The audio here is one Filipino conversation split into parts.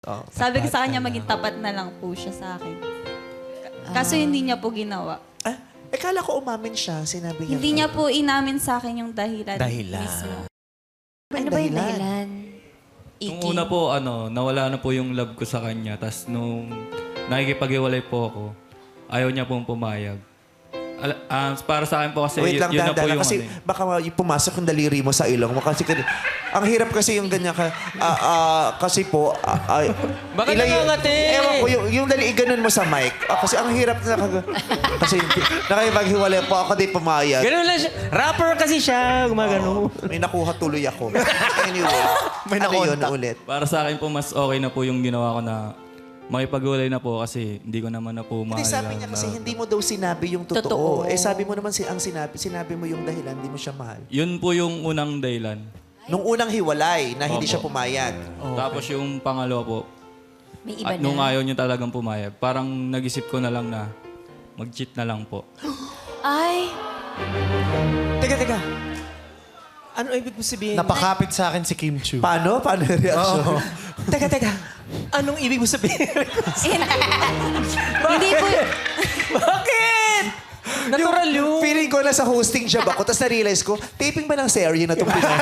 Oh, Sabi ko sa kanya, maging tapat na lang po siya sa akin. Kaso hindi niya po ginawa. Kala ko umamin siya. Sinabi niya. Hindi niya po inamin sa akin yung dahilan. Dahilan. Mismo. Ano ba yung dahilan? Nung una po, nawala na po yung love ko sa kanya. Tapos nung nakikipag-iwalay po ako, ayaw niya pong pumayag. Para sa akin po kasi, Wait lang, yun na po dahan-dahan. yung Kasi baka pumasok yung daliri mo sa ilong mo. Kasi ang hirap kasi yung ganyan ka. Kasi po... Bakit nangangati? Ewan ko, yung ganun mo sa mic. Kasi ang hirap na... Kasi nakipaghiwalay po ako, di pumayag. Ganun lang siya. Rapper kasi siya. Gumagano. May nakuha tuloy ako. Anyway, May ano yun nakontak. ulit? Para sa akin po, mas okay na po yung ginawa ko na makipag-iwalay na po kasi hindi ko naman na po mahal. Hindi, sabi niya kasi hindi mo daw sinabi yung totoo. Sabi mo naman sinabi mo yung dahilan, hindi mo siya mahal. Yun po yung unang dahilan. Nung unang hiwalay na hindi Opo. siya pumayag. Tapos yung pangalawa po, May iba na. nung ayaw niya talagang pumayag, parang nag-isip ko na lang na mag-cheat na lang po. Ay, Teka. Ano ibig mo sabihin? Napakapit sa akin si Kim Chu. Paano? Paano yung reaction? Teka. Anong ibig mo sabihin? Hindi po. Bakit? Natural yun. Feeling ko na sa hosting job ako, tapos na-realize ko, taping ba ng serye na itong Pinoy?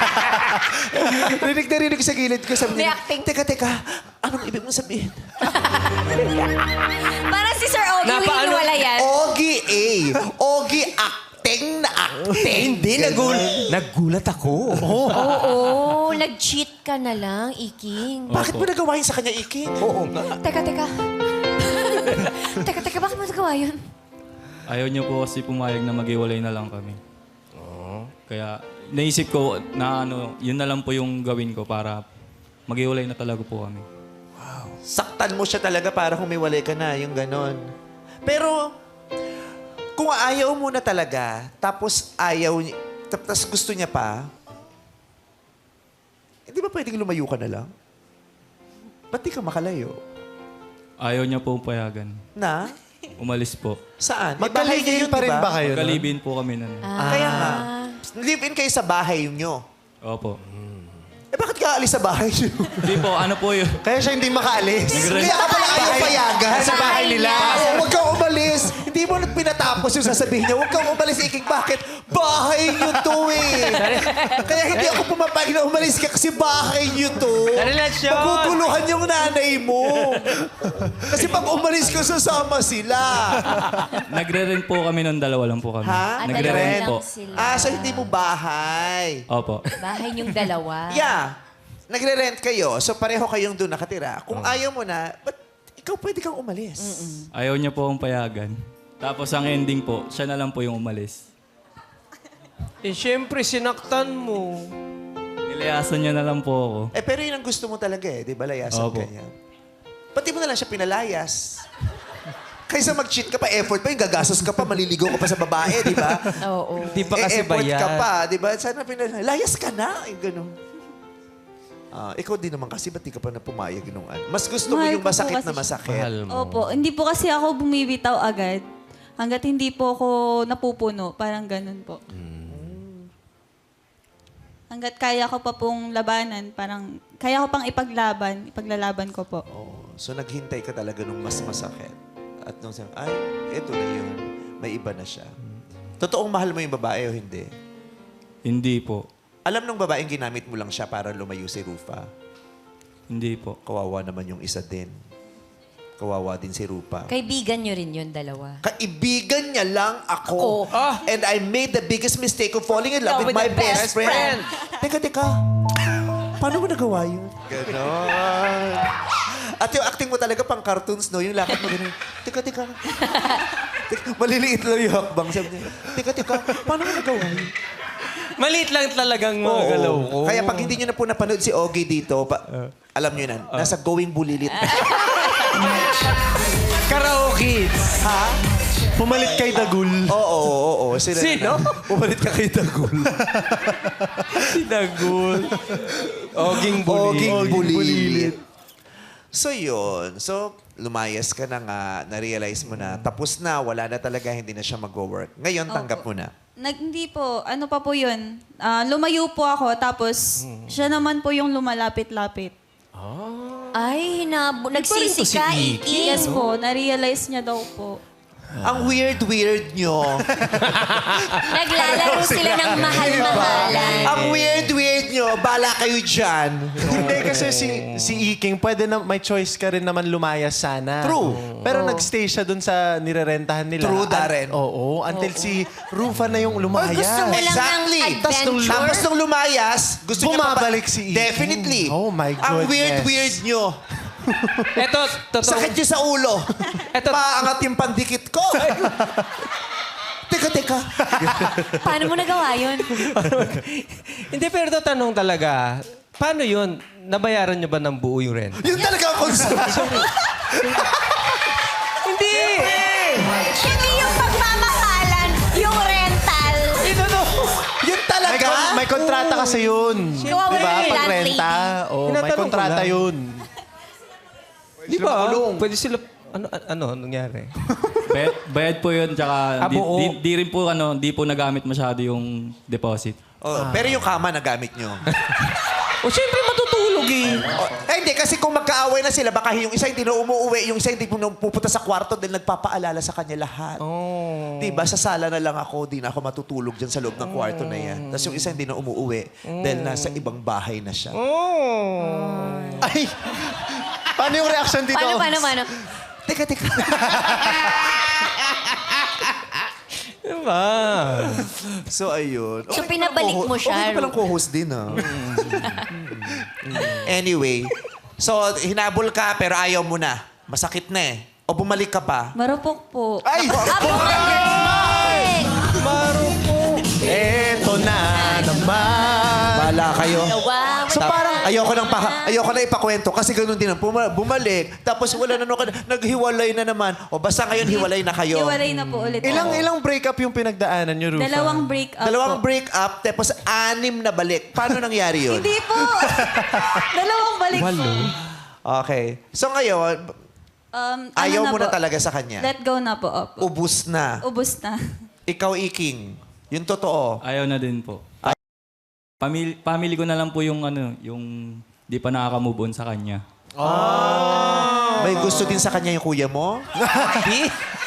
rinig ko sa gilid ko. Sabi niya, May acting. teka, anong ibig mo sabihin? parang si Sir Ogie yung Napaano- hiniwalayan. Ogie A. Ogie acting na acting. Hindi, nagulat ako. Oo, nag-cheat ka na lang, Iking. Bakit mo nagawa yun sa kanya, Iki? Oo nga. Teka. teka, bakit mo nagawa yun? Ayaw niya po kasi pumayag na mag-iwalay na lang kami. Kaya naisip ko na yun na lang po yung gawin ko para mag-iwalay na talaga po kami. Saktan mo siya talaga para humiwalay ka na, yung ganon. Pero, kung ayaw mo na talaga, tapos tapos gusto niya pa, hindi ba pwedeng lumayo ka na lang? Ba't di ka makalayo? Ayaw niya po payagan. Na? Umalis po. Saan? May bahay Magkalibin kayo, pa di rin ba? ba kayo? Magkalibin po kami nun. Kaya nga. Live-in kayo sa bahay nyo. Opo. Bakit ka aalis sa bahay nyo? Hindi po, ano po yun? Kaya siya hindi makaalis. Kaya ka pala ayaw payagan. Sa bahay nila. Oo, huwag kang umalis. Hindi mo pinatapos yung sasabihin niya. Huwag kang umalis, Iking. Bakit? Bahay niyo to eh. Kaya hindi ako pumapayag na umalis ka kasi bahay niyo to. Relasyon. Maguguluhan yung nanay mo. Kasi pag umalis ka, sasama sila. Nagre-rent po kami nun, dalawa lang po kami. Ha? Nagre-rent Dalawa po. lang sila. So hindi mo bahay. Opo. Bahay niyong dalawa. Yeah. Nagre-rent kayo. So pareho kayong doon nakatira. Kung ayaw mo na, ba't ikaw pwede kang umalis? Ayaw niya po akong payagan. Tapos ang ending po, siya na lang po yung umalis. Siyempre, sinaktan mo. Nilayasan niya na lang po ako. Pero yun ang gusto mo talaga eh. Di ba? Layasan Opo. ka niya. Pati mo na lang siya pinalayas. Kaysa mag-cheat ka pa, effort pa, yung gagastos ka pa, maliligaw ka pa sa babae, di ba? Oo. Di pa kasi effort bayad. ka pa, di ba? Sana layas ka na. Yung ganun. Ikaw din naman kasi, ba't di ka pa na pumayag nung ano? Mas gusto mo Mahal yung ko po masakit kasi na masakit. Mahal mo. Opo, hindi po kasi ako bumibitaw agad. Hanggat hindi po ako napupuno, parang ganun po. Hanggat kaya ko pa pong labanan, parang kaya ko pang ipaglalaban ko po. So naghintay ka talaga nung mas masakit. At nung sabi, ay, eto na yun. May iba na siya. Totoong mahal mo yung babae o hindi? Hindi po. Alam nung babaeng ginamit mo lang siya para lumayo si Rufa. Hindi po. Kawawa naman yung isa din. Kawawa din si Rupa. Kaibigan niyo rin yun, dalawa. Kaibigan niya lang ako. Ah! And I made the biggest mistake of falling in love with my best friend. Teka. Paano mo nagawa yun? Ganon. At yung acting mo talaga pang cartoons, no? Yung lakad mo ganun. Teka. Maliliit lang yung hakbang. Sabi niya, teka. Paano mo nagawa yun? Maliit lang talagang mga Oo. galaw ko. Kaya pag hindi nyo na po napanood si Ogie dito, alam nyo na, nasa Going Bulilit. Karaoke. Ha? Pumalit kay Dagul. Oo. Sino? Pumalit ka kay Dagul. Sinagul. Oging Oging buli. Bulilit. So yun. So, lumayas ka na nga, na-realize mo na, tapos na, wala na talaga, hindi na siya mag-work. Ngayon, tanggap mo na. Hindi po, ano pa po yun? Lumayo po ako, tapos siya naman po yung lumalapit-lapit. Ay, nagsisi si ka, Iki. Iki. Yes po, na-realize niya daw po. Ang weird nyo. Naglalaro sila ng mahal-mahalan. Ang weird nyo. Bala kayo dyan. Hindi kasi si Iking, pwede na, may choice ka rin naman lumayas sana. True. Pero nagstay siya dun sa nirerentahan nila. True, Darren. Oo, until si Rufa na yung Or lumayas. gusto mo lang Exactly. ng adventure? Tapos nung lumayas, gusto niya Bumabalik si Iking. Definitely. Oh my Ang goodness. weird nyo. Eto, totoo. Sakit nyo sa ulo. Eto- Paangat yung pandikit ko. Teka. Paano mo nagawa yun? Hindi, pero ito tanong talaga. Paano yun? Nabayaran nyo ba ng buo yung rent? Yun talaga ang concern. Hindi! Hindi yung pagmamahalan, yung rental. Yun talaga. May kontrata kasi yun. Kawawa Diba? yung Pag renta, landlady. may Tinatanong ko kontrata lang. yun. Di ba? Pwede sila... Ano nangyari? Bayad po yun, tsaka buo. di rin po, di po nagamit masyado yung deposit. Oh, pero yung kama nagamit nyo. O siyempre matutulog eh. Hindi, kasi kung magkaaway na sila, baka yung isa hindi na umuwi, yung isa hindi pupunta sa kwarto dahil nagpapaalala sa kanya lahat. Oh. Diba, sa sala na lang ako, di na ako matutulog dyan sa loob ng kwarto na yan. Tapos yung isa hindi na umuwi dahil nasa ibang bahay na siya. Ay! Paano yung reaction dito? Paano? Teka. Diba? So, ayun. So, pinabalik mo siya, Okay palang co-host din, ah. Anyway, so, hinabol ka pero ayaw mo na. Masakit na eh. O bumalik ka pa. Marupok po. Ay! Bumalik! Eto na naman. Bala kayo. Wow. So parang ayoko na ipakwento kasi ganoon din. Bumalik. Tapos wala na naghiwalay na naman. O basta ngayon hiwalay na kayo. Hiwalay na po ulit. Ilang breakup yung pinagdaanan niyo, Rufa? Dalawang break up Dalawang po. break up, tapos 6 na balik. Paano nangyari yun? Hindi po. Dalawang balik po. Okay. So ngayon, ayaw mo na po? talaga sa kanya. Let go na po. Opo. Ubus na. Ubus na. Ikaw, Iking. Yung totoo. Ayaw na din po. Family ko na lang po yung yung di pa nakaka-move on sa kanya. May gusto din sa kanya yung kuya mo?